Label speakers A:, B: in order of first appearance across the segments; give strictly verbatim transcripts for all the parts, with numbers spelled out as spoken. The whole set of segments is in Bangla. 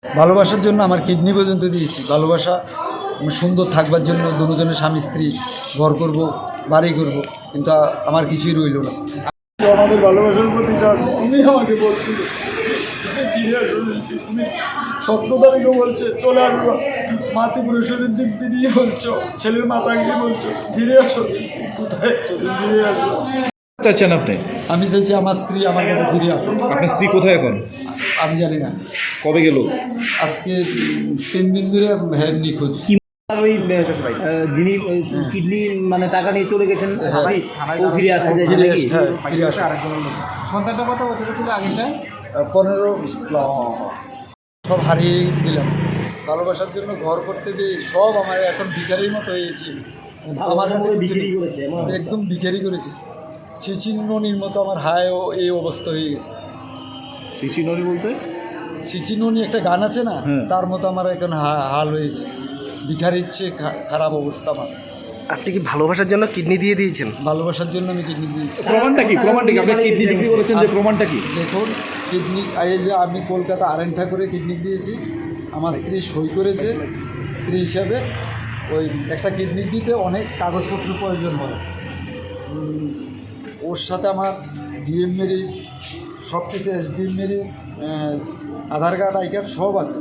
A: ভালোবাসার জন্য আমার কিডনি পর্যন্ত দিয়েছি। ভালোবাসা সুন্দর থাকবার জন্য দুজনের স্বামী স্ত্রী, ঘর করব, বাড়ি করব, কিন্তু আমার কিছুই রইল না।
B: আমাদের ভালোবাসার প্রতিদান তুমি আমাকে বলছিলে ফিরে আসো, তুমি স্বপ্নদারিকে বলছে চলে আসবো, মাতৃপুরুষের দিক দিয়ে বলছো, ছেলের মাথা গিয়ে বলছো ফিরে আসো, কোথায় চলে ফিরে আসো।
C: চাচ্ছেন আপনি?
A: আমি চাইছি আমার স্ত্রী আমার কাছে ফিরে আসো।
C: আপনার স্ত্রী কোথায় এখন?
A: আমি জানি না,
C: কবে গেল?
A: আজকে তিন দিন ধরে হ্যাঁ নিখোঁজ।
D: ওই যিনি কিডনি মানে টাকা নিয়ে চলে গেছেন, ও ফিরে আসতে চাইছে নাকি?
A: হ্যাঁ ফিরে আসো।
D: সন্তানটা কত বছর ছিল আগেটা?
A: পনেরো প্লাস। সব হারিয়ে দিলাম ভালোবাসার জন্য। ঘর করতে যে সব আমার এখন ভিখারির মতো হয়েছে। আমার কাছে
D: বিক্রি করেছে,
A: একদম ভিখারি করেছে। চিচিননির মতো আমার হায় ও এই অবস্থা হয়ে গেছে।
C: শিশিনরি বলতে?
A: চিচিননি একটা গান আছে না,
C: হ্যাঁ।
A: তার মতো আমার এখন হাল হয়েছে। ভিখারির চেয়ে খারাপ অবস্থা আমার।
E: আপনি কি ভালোবাসার জন্য কিডনি দিয়ে দিয়েছেন?
A: ভালোবাসার জন্য আমি কিডনি দিয়েছি।
C: প্রমাণটা কি? প্রমাণটা কি? আপনি কিডনি বিক্রি করেছেন যে প্রমাণটা কি?
A: দেখুন, কিডনি এই যে আমি কলকাতা আরেন ঠাকুরে কিডনি দিয়েছি, আমার স্ত্রী সই করেছে স্ত্রী হিসাবে। ওই একটা কিডনি দিতে অনেক কাগজপত্র প্রয়োজন হয়। উম, ওর সাথে আমার ডিএম ম্যারেজ সব কিছু, S DM marriage, Aadhaar card, I card সব আছে।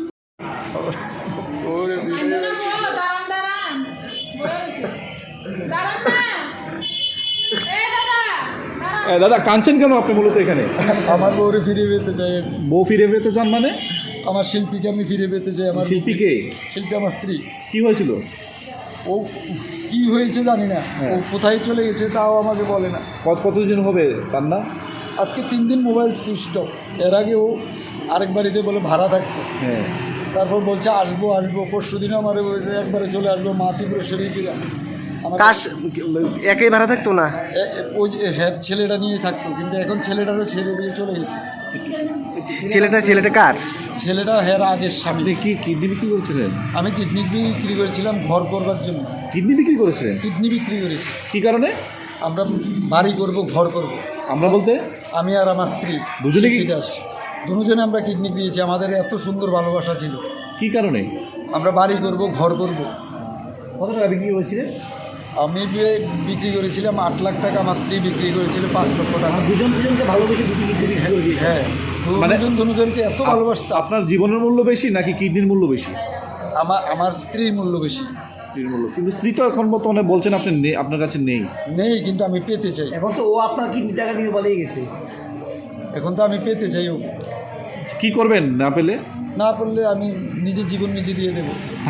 C: দাদা কাঁদছেন কেন আপনি মূলত এখানে?
A: আমার বউরে ফিরে পেতে চাই।
C: বউ ফিরে পেতে চান মানে?
A: আমার শিল্পীকে আমি ফিরে পেতে চাই। আমার
C: শিল্পীকে?
A: শিল্পী আমার স্ত্রী।
C: কি হয়েছিল?
A: ও কি হয়েছে জানি না, ও কোথায় চলে গেছে তাও আমাকে বলে না।
C: কত কতদিন হবে তার না?
A: আজকে তিন দিন মোবাইল সুইচ অফ। এর আগে ও আরেক বাড়িতে বলে ভাড়া থাকতো,
C: হ্যাঁ।
A: তারপর বলছে আসবো আসবো পরশু দিনও আমার বলছে একবারে চলে আসবো মাতৃপুরেশ্বরী কিরা। আমার
E: কাশ একই ভাড়া থাকতো না?
A: ওই যে হ্যাঁ ছেলেটা নিয়ে থাকতো, কিন্তু এখন ছেলেটারও ছেড়ে দিয়ে চলে গেছে।
E: ছেলেটা ছেলেটা কার?
A: ছেলেটা হ্যাঁ আগের স্বামী।
C: আপনি কি কিডনি বিক্রি করেছিলেন?
A: আমি কিডনি বিক্রি করেছিলাম ঘর করবার জন্য।
C: কিডনি বিক্রি করেছিলেন?
A: কিডনি বিক্রি করেছি।
C: কি কারণে?
A: আমরা বাড়ি করব, ঘর করব।
C: আমরা বলতে?
A: আমি আর আমার স্ত্রী
C: দুজনে কি?
A: দাস দুজনে আমরা কিডনি দিয়েছি। আমাদের এত সুন্দর ভালোবাসা ছিল।
C: কি কারণে?
A: আমরা বাড়ি করব, ঘর করব।
D: কত টাকা বিক্রি করেছিলেন?
A: আমি বিক্রি করেছিলাম আট লাখ টাকা, আমার স্ত্রী বিক্রি করেছিল পাঁচ লক্ষ টাকা।
D: দুজন দুজনকে ভালোবেসে দুটি কিডনি বিক্রি করে দিয়েছে।
A: হ্যাঁ,
C: মানে
A: দুজন দুজনকে এত ভালোবাসতাম।
C: আপনার জীবনের মূল্য বেশি নাকি কিডনির মূল্য বেশি?
A: আমার আমার স্ত্রীর মূল্য বেশি।
C: স্ত্রীর মূল্য। কিন্তু স্ত্রী তো এখন বর্তমানে বলছেন আপনি নেই, আপনার কাছে নেই।
A: নেই, কিন্তু আমি পেতে চাই।
D: এখন তো ও আপনার কিডনি টাকা নিয়ে পালিয়ে গেছে।
A: এখন তো আমি পেতে চাই। ও
C: কি করবেন না পেলে?
A: না পারলে আমি নিজের জীবন নিজে দিয়ে দেবো।